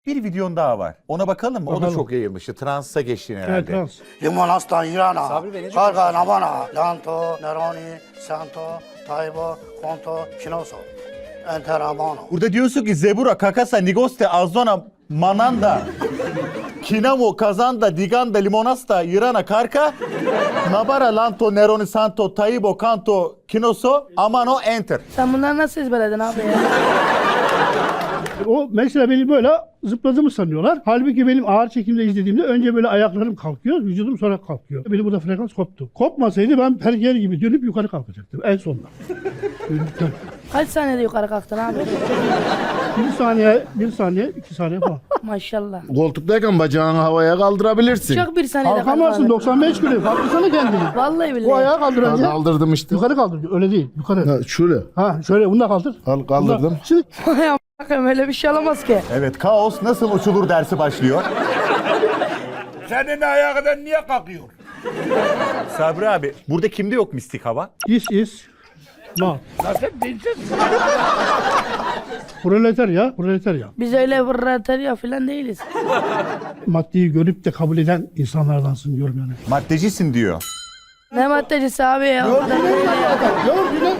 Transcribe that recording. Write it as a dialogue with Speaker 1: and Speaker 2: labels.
Speaker 1: Bir videon daha var. Ona bakalım mı? O da
Speaker 2: Bakalım.
Speaker 1: çok yayılmıştı. Trans'a geçtin herhalde.
Speaker 2: Evet, trans.
Speaker 3: Limonasta, Irana, Karga, Navana, Lanto, Neroni, Santo, Taibo, Conto, Kinoso, Enterabano.
Speaker 1: Burada diyorsun ki Zebura, Kakasa, Nigoste, Azona, Mananda, Kinamo, Kazanda, Diganda, Limonasta, Irana, Karka, Nabara, Lanto, Neroni, Santo, Taibo, Kanto, Kinoso, Amano, Enter.
Speaker 4: Sen bunları nasıl ezberledin abi ya?
Speaker 2: O mesela beni böyle zıpladığımı sanıyorlar. Halbuki benim ağır çekimde izlediğimde önce böyle ayaklarım kalkıyor, vücudum sonra kalkıyor. Benim burada frekans koptu. Kopmasaydı ben perger gibi dönüp yukarı kalkacaktım en sonunda. Dönüp.
Speaker 4: Kaç saniyede yukarı kalktın abi?
Speaker 2: Bir saniye, 2 saniye falan.
Speaker 4: Maşallah.
Speaker 5: Koltuktayken bacağını havaya kaldırabilirsin.
Speaker 4: Çok bir saniyede
Speaker 2: Kalkamazsın,
Speaker 4: kalktın.
Speaker 2: 95 kilo. Kalksana kendini.
Speaker 4: Vallahi
Speaker 2: Bu
Speaker 4: billahi.
Speaker 2: ayağı kaldıracaksın.
Speaker 5: Kaldırdım işte.
Speaker 2: Yukarı kaldır. Öyle değil. Yukarı.
Speaker 5: Ha, şöyle.
Speaker 2: Ha şöyle bunu da kaldır.
Speaker 5: Kaldırdım.
Speaker 2: Bunu da- Şimdi
Speaker 4: Ya bakayım öyle bir şey olamaz ki.
Speaker 1: Evet, kaos nasıl uçulur dersi başlıyor.
Speaker 6: Senin ayağından niye kalkıyor?
Speaker 1: Sabri abi, burada kimde yok mistik hava?
Speaker 2: this is not.
Speaker 6: Zaten dinsiz.
Speaker 2: Proletarya, proletarya.
Speaker 4: Biz öyle vırratarya falan değiliz.
Speaker 2: Maddeyi görüp de kabul eden insanlardansın diyorum yani.
Speaker 1: Maddecisin diyor.
Speaker 4: Ne maddecisi abi ya? O kadar değil ya.
Speaker 2: Gördüğüne